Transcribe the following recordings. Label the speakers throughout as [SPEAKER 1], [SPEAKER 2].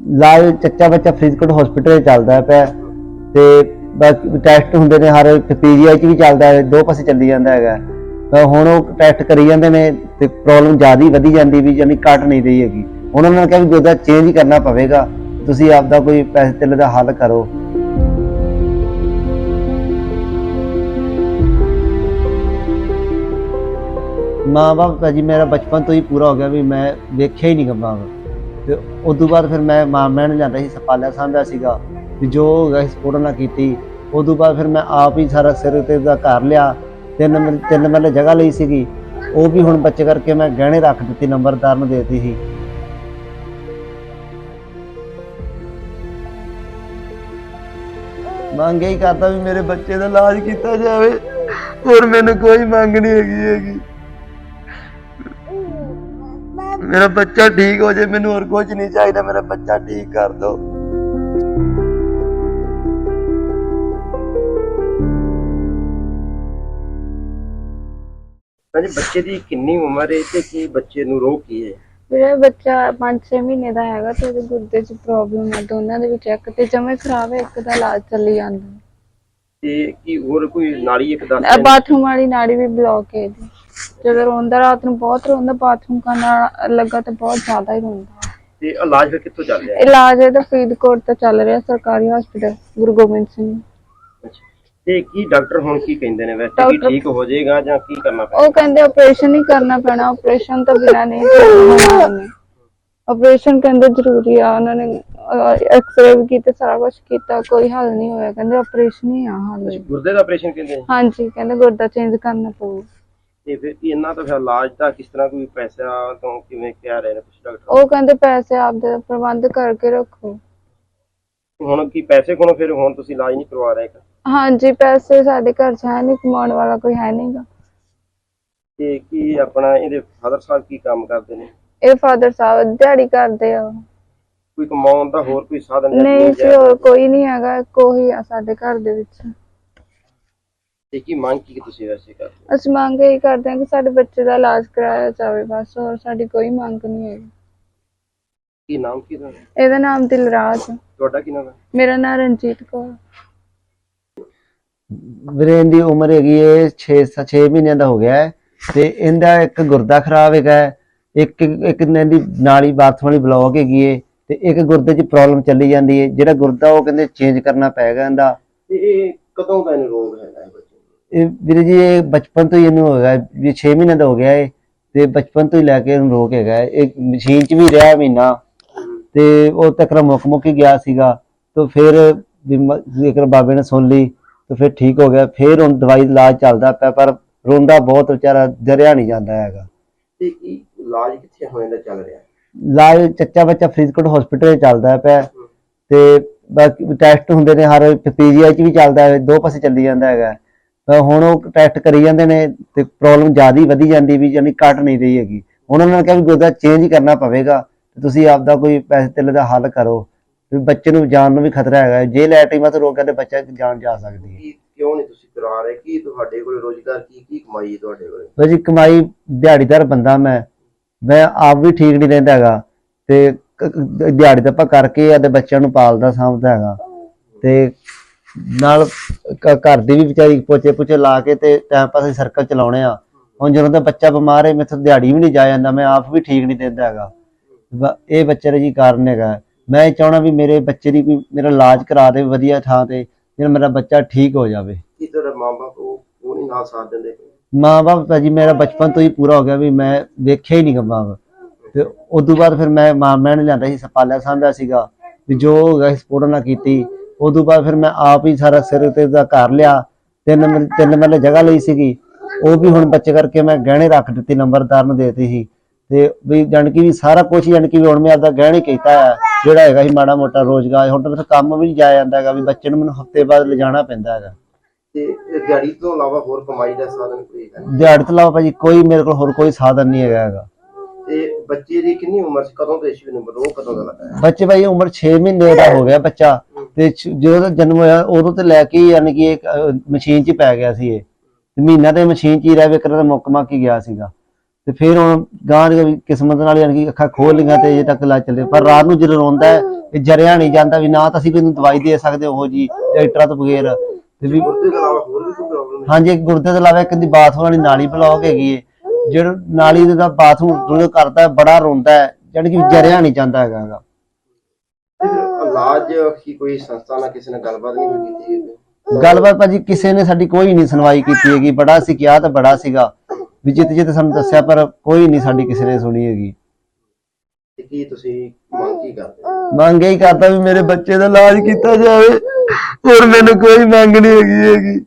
[SPEAKER 1] ਇਲਾਜ ਚੱਚਾ ਬੱਚਾ ਫਰੀਦਕੋਟ ਹਸਪੀਟਲ ਚੱਲਦਾ ਪਿਆ ਤੇ ਬਾਕੀ ਟੈਸਟ ਹੁੰਦੇ ਨੇ ਹਰ ਪੀਜੀਆਈ ਚ ਵੀ ਚੱਲਦਾ ਹੈ, ਦੋ ਪਾਸੇ ਚੱਲੀ ਜਾਂਦਾ ਹੈਗਾ। ਤਾਂ ਹੁਣ ਉਹ ਟੈਸਟ ਕਰੀ ਜਾਂਦੇ ਨੇ ਤੇ ਪ੍ਰੋਬਲਮ ਜ਼ਿਆਦਾ ਹੀ ਵਧੀ ਜਾਂਦੀ ਵੀ ਜਾਨੀ ਘਟ ਨਹੀਂ ਰਹੀ ਹੈਗੀ। ਉਹਨਾਂ ਨੇ ਕਿਹਾ ਵੀ ਗੁਰਦਾ ਚੇਂਜ ਕਰਨਾ ਪਵੇਗਾ, ਤੁਸੀਂ ਆਪਦਾ ਕੋਈ ਪੈਸੇ ਧੇਲੇ ਦਾ ਹੱਲ ਕਰੋ। ਮਾਂ ਬਾਪ ਭਾਜੀ ਮੇਰਾ ਬਚਪਨ ਤੋਂ ਹੀ ਪੂਰਾ ਹੋ ਗਿਆ ਵੀ ਮੈਂ ਵੇਖਿਆ ਹੀ ਨਹੀਂ ਮਾਂ ਬਾਪ। ਤੇ ਉਦੋਂ ਬਾਅਦ ਫਿਰ ਮੈਂ ਮਾਮਿਆਂ ਨੂੰ ਜਾਂਦਾ ਸੀ, ਪਾਲਿਆ ਸਾਂਭਿਆ ਸੀਗਾ ਵੀ ਜੋ ਹੋ ਗਿਆ ਸਪੋਰਟ ਨਾਲ ਕੀਤੀ। ਉਦੋਂ ਬਾਅਦ ਫਿਰ ਮੈਂ ਆਪ ਹੀ ਸਾਰਾ ਸਿਰ ਤੇ ਦਾ ਘਰ ਲਿਆ, ਤਿੰਨ ਮਰਲੇ ਜਗ੍ਹਾ ਲਈ ਸੀਗੀ, ਉਹ ਵੀ ਹੁਣ ਬੱਚੇ ਕਰਕੇ ਮੈਂ ਗਹਿਣੇ ਰੱਖ ਦਿੱਤੀ, ਨੰਬਰਦਾਰ ਨੂੰ ਦੇ ਦਿੱਤੀ ਸੀ। ਮੰਗ ਇਹੀ ਕਰਦਾ ਵੀ ਮੇਰੇ ਬੱਚੇ ਦਾ ਇਲਾਜ ਕੀਤਾ ਜਾਵੇ, ਹੋਰ ਮੈਨੂੰ ਕੋਈ ਮੰਗ ਨਹੀਂ ਹੈਗੀ। ਮੇਰਾ ਬੱਚਾ ਠੀਕ ਹੋ ਜਾਏ, ਮੈਨੂੰ ਹੋਰ ਕੁਝ ਨਹੀਂ ਚਾਹੀਦਾ, ਮੇਰਾ ਬੱਚਾ ਠੀਕ ਕਰ ਦੋ।
[SPEAKER 2] ਹਾਂਜੀ, ਬੱਚੇ ਦੀ ਕਿੰਨੀ ਉਮਰ ਹੈ ਤੇ ਕੀ ਬੱਚੇ ਨੂੰ ਰੋਗ ਕੀ ਹੈ?
[SPEAKER 3] ਮੇਰਾ ਬੱਚਾ 5-6 ਮਹੀਨੇ ਦਾ ਹੈਗਾ ਤੇ ਉਹਦੇ ਗੁਰਦੇ 'ਚ ਪ੍ਰੋਬਲਮ ਹੈ, ਦੋਨਾਂ ਦੇ ਵਿੱਚ ਇੱਕ ਤੇ ਜਮੇ ਖਰਾਬ ਹੈ, ਇੱਕ ਦਾ ਇਲਾਜ ਚੱਲੀ ਜਾਂਦਾ।
[SPEAKER 2] ਤੇ ਕੀ ਹੋਰ ਕੋਈ ਨਾੜੀ ਇੱਕ ਦੱਸ?
[SPEAKER 3] ਬਾਥਰੂਮ ਵਾਲੀ ਨਾੜੀ ਵੀ ਬਲੌਕ ਹੈ ਇਹਦੀ। ਜਦੋਂ ਰੋਂਦਾ ਰਾਤ ਨੂੰ ਬਹੁਤ ਰੋਂਦਾ, ਬਾਥਰੂਮ ਕਰਨਾ ਲੱਗਾ ਤੇ ਬਹੁਤ ਜ਼ਿਆਦਾ ਹੀ ਰੋਂਦਾ।
[SPEAKER 2] ਤੇ ਇਲਾਜ ਫਿਰ ਕਿੱਥੋਂ ਚੱਲ ਰਿਹਾ?
[SPEAKER 3] ਇਲਾਜ ਇਹਦਾ ਫਰੀਦਕੋਟ ਤੋਂ ਚੱਲ ਰਿਹਾ, ਸਰਕਾਰੀ ਹਸਪੀਟਲ ਗੁਰੂ ਗੋਬਿੰਦ ਸਿੰਘ।
[SPEAKER 2] ਤੇ ਕੀ ਡਾਕਟਰ ਹੁਣ ਕੀ ਕਹਿੰਦੇ ਨੇ, ਵੈਸੇ ਕੀ ਠੀਕ ਹੋ ਜਾਏਗਾ ਜਾਂ ਕੀ ਕਰਨਾ ਪੈਣਾ?
[SPEAKER 3] ਉਹ ਕਹਿੰਦੇ ਆਪਰੇਸ਼ਨ ਹੀ ਕਰਨਾ ਪੈਣਾ, ਆਪਰੇਸ਼ਨ ਤੋਂ ਬਿਨਾਂ ਨਹੀਂ ਹੋਣਾ। ਆਪਰੇਸ਼ਨ ਕਹਿੰਦੇ ਜ਼ਰੂਰੀ ਆ, ਉਹਨਾਂ ਨੇ ਐਕਸਰੇ ਵੀ ਕੀਤੇ, ਸਾਰਾ ਕੁਝ ਕੀਤਾ, ਕੋਈ ਹੱਲ ਨਹੀਂ ਹੋਇਆ, ਕਹਿੰਦੇ ਆਪਰੇਸ਼ਨ ਹੀ ਆ ਹੱਲ।
[SPEAKER 2] ਗੁਰਦੇ ਦਾ ਆਪਰੇਸ਼ਨ ਕਹਿੰਦੇ?
[SPEAKER 3] ਹਾਂਜੀ, ਕਹਿੰਦੇ ਗੁਰਦਾ ਚੇਂਜ ਕਰਨਾ ਪਊ।
[SPEAKER 2] ਤੇ ਫਿਰ ਕੀ ਇਹਨਾਂ ਤੋਂ ਫਿਰ ਇਲਾਜ ਦਾ ਕਿਸ ਤਰ੍ਹਾਂ, ਕੋਈ ਪੈਸਾ ਤੋਂ ਕਿਵੇਂ ਕਹਿ ਰਹੇ ਨੇ ਕੁਝ ਡਾਕਟਰ?
[SPEAKER 3] ਉਹ ਕਹਿੰਦੇ ਪੈਸੇ ਆਪਦੇ ਪ੍ਰਬੰਧ ਕਰਕੇ ਰੱਖੋ।
[SPEAKER 2] ਹੁਣ ਕੀ ਪੈਸੇ ਕੋਲੋਂ ਫਿਰ ਹੁਣ ਤੁਸੀਂ ਇਲਾਜ ਨਹੀਂ ਕਰਵਾ ਰਹੇ?
[SPEAKER 3] ਹਾਂਜੀ, ਪੈਸੇ ਸਾਡੇ ਘਰ 'ਚ ਹੈ ਨਹੀਂ, ਕਮਾਉਣ ਵਾਲਾ ਕੋਈ ਹੈ ਨਹੀਂਗਾ।
[SPEAKER 2] ਤੇ ਕੀ ਆਪਣਾ ਇਹਦੇ ਫਾਦਰ ਸਾਹਿਬ ਕੀ ਕੰਮ ਕਰਦੇ ਨੇ?
[SPEAKER 3] ਇਹ ਫਾਦਰ ਸਾਹਿਬ ਦਿਹਾੜੀ ਕਰਦੇ ਆ।
[SPEAKER 2] ਕੋਈ ਕਮਾਉਣ ਦਾ ਹੋਰ ਕੋਈ ਸਾਧਨ
[SPEAKER 3] ਨਹੀਂ ਜੀ, ਹੋਰ ਕੋਈ ਨਹੀਂ ਹੈਗਾ, ਕੋਈ ਆ ਸਾਡੇ ਘਰ ਦੇ ਵਿੱਚ।
[SPEAKER 2] ਤੇ ਕੀ ਮੰਗ ਕੀ ਤੁਸੀਂ ਵੈਸੇ ਕਰਦੇ?
[SPEAKER 3] ਅਸੀਂ ਮੰਗ ਇਹੀ ਕਰਦੇ ਹਾਂ ਕਿ ਸਾਡੇ ਬੱਚੇ ਦਾ ਇਲਾਜ ਕਰਾਇਆ ਜਾਵੇ, ਬਸ, ਹੋਰ ਸਾਡੀ ਕੋਈ ਮੰਗ ਨਹੀਂ ਹੈਗੀ।
[SPEAKER 2] ਕੀ ਨਾਮ ਕੀ ਤੁਹਾਡਾ?
[SPEAKER 3] ਇਹਦਾ ਨਾਮ ਦਿਲਰਾਜ।
[SPEAKER 2] ਤੁਹਾਡਾ ਕੀ ਨਾਮ ਹੈ?
[SPEAKER 3] ਮੇਰਾ ਨਾਮ ਰਣਜੀਤ ਕੌਰ।
[SPEAKER 1] ਵੀਰੇਨ ਦੀ ਉਮਰ ਹੈਗੀ ਹੈ 6 ਮਹੀਨਿਆਂ ਦਾ ਹੋ ਗਿਆ ਹੈ ਤੇ ਇਹਦਾ ਇੱਕ ਗੁਰਦਾ ਖਰਾਬ ਹੈਗਾ, ਇੱਕ ਇਹਦੀ ਨਾਲੀ ਬਾਥਰੂਮ ਵਾਲੀ ਬਲੌਕ ਹੈਗੀ ਹੈ ਤੇ ਇੱਕ ਗੁਰਦੇ 'ਚ ਪ੍ਰੋਬਲਮ ਚੱਲੀ ਜਾਂਦੀ ਹੈ। ਜਿਹੜਾ ਗੁਰਦਾ ਉਹ ਕਹਿੰਦੇ ਚੇਂਜ ਕਰਨਾ ਪਏਗਾ ਇਹਦਾ।
[SPEAKER 2] ਤੇ ਇਹ ਕਦੋਂ ਦਾ ਇਹਨੂੰ ਰੋਗ ਹੈਗਾ ਬੱਚੇ ਨੂੰ?
[SPEAKER 1] ਇਹ ਵੀਰੇ ਜੀ ਇਹ ਬਚਪਨ ਤੋਂ ਹੀ ਇਹਨੂੰ ਹੈਗਾ, ਵੀ 6 ਮਹੀਨੇ ਦਾ ਹੋ ਗਿਆ ਹੈ ਤੇ ਬਚਪਨ ਤੋਂ ਹੀ ਲੈ ਕੇ ਇਹਨੂੰ ਰੋਗ ਹੈਗਾ। ਇਹ ਮਸ਼ੀਨ 'ਚ ਵੀ ਰਿਹਾ ਮਹੀਨਾ ਤੇ ਉਹ ਤੱਕ ਮੁੱਕ ਹੀ ਗਿਆ ਸੀਗਾ, ਤੇ ਫਿਰ ਬਾਬੇ ਨੇ ਸੁਣ ਲਈ ਤੇ ਫਿਰ ਠੀਕ ਹੋ ਗਿਆ। ਫਿਰ ਹੁਣ ਦਵਾਈ ਇਲਾਜ ਚੱਲਦਾ ਪਿਆ, ਪਰ ਰੋਂਦਾ ਬਹੁਤ ਵਿਚਾਰਾ, ਡਰਿਆ ਨਹੀਂ ਜਾਂਦਾ ਹੈਗਾ।
[SPEAKER 2] ਤੇ ਕੀ ਇਲਾਜ ਕਿੱਥੇ ਹੋਣ ਦਾ ਚੱਲ ਰਿਹਾ?
[SPEAKER 1] ਇਲਾਜ ਚੱਚਾ ਬੱਚਾ ਫਰੀਦਕੋਟ ਹਸਪੀਟਲ ਚੱਲਦਾ ਪਿਆ ਤੇ ਬਾਕੀ ਟੈਸਟ ਹੁੰਦੇ ਨੇ ਹਰ ਪੀਜੀਆਈ ਚ ਵੀ ਚੱਲਦਾ ਹੈ, ਦੋ ਪਾਸੇ ਚੱਲੀ ਜਾਂਦਾ ਹੈਗਾ। ਤਾਂ ਹੁਣ ਉਹ ਟੈਸਟ ਕਰੀ ਜਾਂਦੇ ਨੇ ਤੇ ਪ੍ਰੋਬਲਮ ਜ਼ਿਆਦਾ ਹੀ ਵਧੀ ਜਾਂਦੀ ਵੀ ਜਾਨੀ ਘਟ ਨਹੀਂ ਰਹੀ ਹੈਗੀ। ਉਹਨਾਂ ਨੇ ਕਿਹਾ ਵੀ ਗੁਰਦਾ ਚੇਂਜ ਕਰਨਾ ਪਵੇਗਾ, ਤੁਸੀਂ ਆਪਦਾ ਕੋਈ ਪੈਸੇ ਧੇਲੇ ਦਾ ਹੱਲ ਕਰੋ, ਵੀ ਬੱਚੇ ਨੂੰ ਜਾਨ ਨੂੰ ਵੀ ਖਤਰਾ ਹੈਗਾ। ਜੇ ਲੈਟਰਿੰਗਾਂ ਤੋਂ ਰੋਕਿਆ ਤੇ ਬੱਚਾ ਜਾਨ ਜਾ ਸਕਦੀ ਹੈ।
[SPEAKER 2] ਕਿਉਂ ਨਹੀਂ ਤੁਸੀਂ ਕਰਾ ਰਹੇ? ਕੀ ਤੁਹਾਡੇ ਕੋਲ ਰੋਜ਼ਗਾਰ, ਕੀ ਕਮਾਈ ਹੈ ਤੁਹਾਡੇ ਕੋਲ?
[SPEAKER 1] ਭਾਜੀ ਕਮਾਈ ਦਿਹਾੜੀਦਾਰ ਬੰਦਾ, ਮੈਂ ਆਪ ਵੀ ਠੀਕ ਨਹੀਂ ਰਹਿੰਦਾ ਹੈਗਾ ਤੇ ਦਿਹਾੜੀ ਤਾਂ ਆਪਾਂ ਕਰਕੇ ਆਦੇ ਬੱਚਿਆਂ ਨੂੰ ਪਾਲਦਾ ਸਾਂਭਦਾ ਹੈਗਾ ਤੇ ਨਾਲ ਘਰ ਦੀ ਵੀ ਵਿਚਾਰੀ ਪੋਚੇ ਲਾ ਕੇ ਤੇ ਟਾਈਮ ਪਾਸ ਸਰਕਲ ਚਲਾਉਣੇ ਆ। ਹੁਣ ਜਦੋਂ ਦਾ ਬੱਚਾ ਬਿਮਾਰ ਹੈ ਮੈਥੋਂ ਦਿਹਾੜੀ ਵੀ ਨਹੀਂ ਜਾ ਜਾਂਦਾ, ਮੈਂ ਆਪ ਵੀ ਠੀਕ ਨਹੀਂ ਦਿੰਦਾ ਹੈਗਾ। ਇਹ ਬੱਚੇ ਦਾ ਜੀ ਕਾਰਨ ਹੈਗਾ। ਮੈਂ ਚਾਹਣਾ ਵੀ ਮੇਰੇ ਬੱਚੇ ਦੀ ਕੋਈ ਮੇਰਾ ਇਲਾਜ ਕਰਾ ਦੇ ਵਧੀਆ ਥਾਂ ਤੇ, ਜਿਹੜਾ ਮੇਰਾ ਬੱਚਾ ਠੀਕ ਹੋ ਜਾਵੇ।
[SPEAKER 2] ਕੀ ਤੁਹਾਡੇ ਮਾਂ-ਬਾਪ ਉਹ ਨਹੀਂ ਨਾਲ ਸਾਥ ਦਿੰਦੇ?
[SPEAKER 1] ਮਾਂ ਬਾਪ ਭਾਜੀ ਮੇਰਾ ਬਚਪਨ ਤੋਂ ਹੀ ਪੂਰਾ ਹੋ ਗਿਆ ਵੀ ਮੈਂ ਵੇਖਿਆ ਹੀ ਨਹੀਂ ਮਾਂ ਬਾਪ। ਤੇ ਉਦੋਂ ਬਾਅਦ ਫਿਰ ਮੈਂ ਮਾਮਿਆਂ ਨੂੰ ਜਾਂਦਾ ਸੀ, ਪਾਲਿਆ ਸਾਂਭਿਆ ਸੀਗਾ ਵੀ ਜੋ ਹੋ ਗਿਆ ਸਪੋਰਟ ਨਾਲ ਕੀਤੀ। ਉਦੋਂ ਬਾਅਦ ਫਿਰ ਮੈਂ ਆਪ ਹੀ ਸਾਰਾ ਸਿਰ ਤੇ ਦਾ ਘਰ ਲਿਆ, ਤਿੰਨ ਮਰਲੇ ਜਗ੍ਹਾ ਲਈ ਸੀਗੀ, ਉਹ ਵੀ ਹੁਣ ਬੱਚੇ ਕਰਕੇ ਮੈਂ ਗਹਿਣੇ ਰੱਖ ਦਿੱਤੀ, ਨੰਬਰਦਾਰ ਨੂੰ ਦੇ ਦਿੱਤੀ ਸੀ। ਤੇ ਵੀ ਜਾਣੀ ਕਿ ਵੀ ਸਾਰਾ ਕੁਛ ਜਾਣੀ ਕਿ ਵੀ ਹੁਣ ਮੈਂ ਆਪਦਾ ਗਹਿਣੇ ਕੀਤਾ ਹੈ, ਜਿਹੜਾ ਹੈਗਾ ਸੀ ਮਾੜਾ ਮੋਟਾ ਰੋਜ਼ਗਾਰ। ਹੁਣ ਤਾਂ ਮੇਰੇ ਕੰਮ ਵੀ ਨਹੀਂ ਜਾਇਆ ਜਾਂਦਾ ਹੈਗਾ, ਵੀ ਬੱਚੇ ਨੂੰ ਮੈਨੂੰ ਹਫ਼ਤੇ ਬਾਅਦ ਲਿਜਾਣਾ ਪੈਂਦਾ ਹੈਗਾ।
[SPEAKER 2] ਤੇ ਦਿਹਾੜੀ ਤੋਂ ਇਲਾਵਾ ਹੋਰ ਕਮਾਈ ਦਾ ਸਾਧਨ ਕੋਈ ਹੈ?
[SPEAKER 1] ਦਿਹਾੜੀ ਤੋਂ ਇਲਾਵਾ ਭਾਜੀ ਕੋਈ ਮੇਰੇ ਕੋਲ ਹੋਰ ਕੋਈ ਸਾਧਨ ਨਹੀਂ ਹੈਗਾ।
[SPEAKER 2] ਤੇ ਬੱਚੇ ਦੀ ਕਿੰਨੀ ਉਮਰ ਸੀ, ਕਦੋਂ ਤੋਂ ਇਸ਼ੂ ਨੰਬਰ ਉਹ ਕਦੋਂ ਦਾ ਲੱਗਾ?
[SPEAKER 1] ਬੱਚੇ ਭਾਈ ਉਮਰ 6 ਮਹੀਨੇ ਦਾ ਹੋ ਗਿਆ ਬੱਚਾ ਤੇ ਜਦੋਂ ਦਾ ਜਨਮ ਹੋਇਆ ਉਦੋਂ ਤੋਂ ਲੈ ਕੇ ਯਾਨੀ ਕਿ ਇੱਕ ਮਸ਼ੀਨ 'ਚ ਪੈ ਗਿਆ ਸੀ। ਇਹ ਮਹੀਨਾ ਤੇ ਮਸ਼ੀਨ 'ਚ ਹੀ ਰਹਿ ਵਿਕਰ ਦਾ ਮੁੱਕ ਹੀ ਗਿਆ ਸੀਗਾ। ਤੇ ਫਿਰ ਹੁਣ ਗਾਂ ਦੀ ਕਿਸਮਤ ਨਾਲ ਯਾਨੀ ਕਿ ਅੱਖਾਂ ਖੋਲ ਲਈਆਂ ਤੇ ਅਜੇ ਤੱਕ ਇਲਾਜ ਚੱਲੇ। ਪਰ ਰਾਤ ਨੂੰ ਜਦੋਂ ਰੋਂਦਾ ਹੈ ਵੀ ਜਰਿਆ ਨਹੀਂ ਜਾਂਦਾ, ਵੀ ਨਾ ਤਾਂ ਅਸੀਂ ਕੋਈ ਨੂੰ ਦਵਾਈ ਦੇ ਸਕਦੇ ਉਹ ਜੀ ਡਾਕਟਰਾਂ ਤੋਂ ਬਗੈਰ। ਤੇ ਵੀ
[SPEAKER 2] ਗੁਰਦੇ ਤੋਂ ਇਲਾਵਾ ਹੋਰ ਵੀ ਕੋਈ ਪ੍ਰੋਬਲਮ ਹੈ?
[SPEAKER 1] ਹਾਂਜੀ, ਗੁਰਦੇ ਤੋਂ ਇਲਾਵਾ ਇੱਕ ਦੀ ਬਾਥਰੂਮ ਵਾਲੀ ਨਾਲੀ ਬਲੌਕ ਹੈਗੀ ਹੈ, ਜਿਹੜਾ ਨਾਲੀ ਦਾ ਬਾਥਰੂਮ ਜਦੋਂ ਕਰਦਾ ਹੈ ਬੜਾ ਰੋਂਦਾ ਹੈ, ਜਾਣੀ ਕਿ ਜਰਿਆ ਨਹੀਂ ਜਾਂਦਾ ਹੈਗਾ ਗਾ।
[SPEAKER 2] ਤੇ ਫਿਰ ਇਲਾਜ ਕੀ ਕੋਈ ਸੰਸਥਾ ਨਾਲ ਕਿਸੇ ਨੇ ਗੱਲਬਾਤ ਨਹੀਂ ਕੋਈ ਕੀਤੀ ਹੈਗੀ?
[SPEAKER 1] ਗੱਲਬਾਤ ਭਾਜੀ ਕਿਸੇ ਨੇ ਸਾਡੀ ਕੋਈ ਨਹੀਂ ਸੁਣਵਾਈ ਕੀਤੀ ਹੈਗੀ। ਬੜਾ ਸੀ ਕਿਹਾ ਤਾਂ ਬੜਾ ਸੀਗਾ ਵੀ ਜਿੱਤੇ ਸਾਨੂੰ ਦੱਸਿਆ, ਪਰ ਕੋਈ ਨਹੀਂ ਸਾਡੀ ਕਿਸੇ ਨੇ ਸੁਣੀ ਹੈਗੀ।
[SPEAKER 2] ਤੇ ਕੀ ਤੁਸੀਂ ਮੰਗ ਕੀ ਕਰਦੇ ਹੋ?
[SPEAKER 1] ਮੰਗ ਇਹੀ ਕਰਦਾ ਵੀ ਮੇਰੇ ਬੱਚੇ ਦਾ ਇਲਾਜ ਕੀਤਾ ਜਾਵੇ, ਹੋਰ ਮੈਨੂੰ ਕੋਈ ਮੰਗ ਨਹੀਂ ਹੈਗੀ।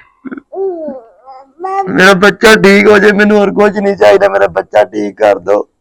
[SPEAKER 1] ਮੇਰਾ ਬੱਚਾ ਠੀਕ ਹੋ ਜਾਏ, ਮੈਨੂੰ ਹੋਰ ਕੁਝ ਨਹੀਂ ਚਾਹੀਦਾ, ਮੇਰਾ ਬੱਚਾ ਠੀਕ ਕਰ ਦਿਓ।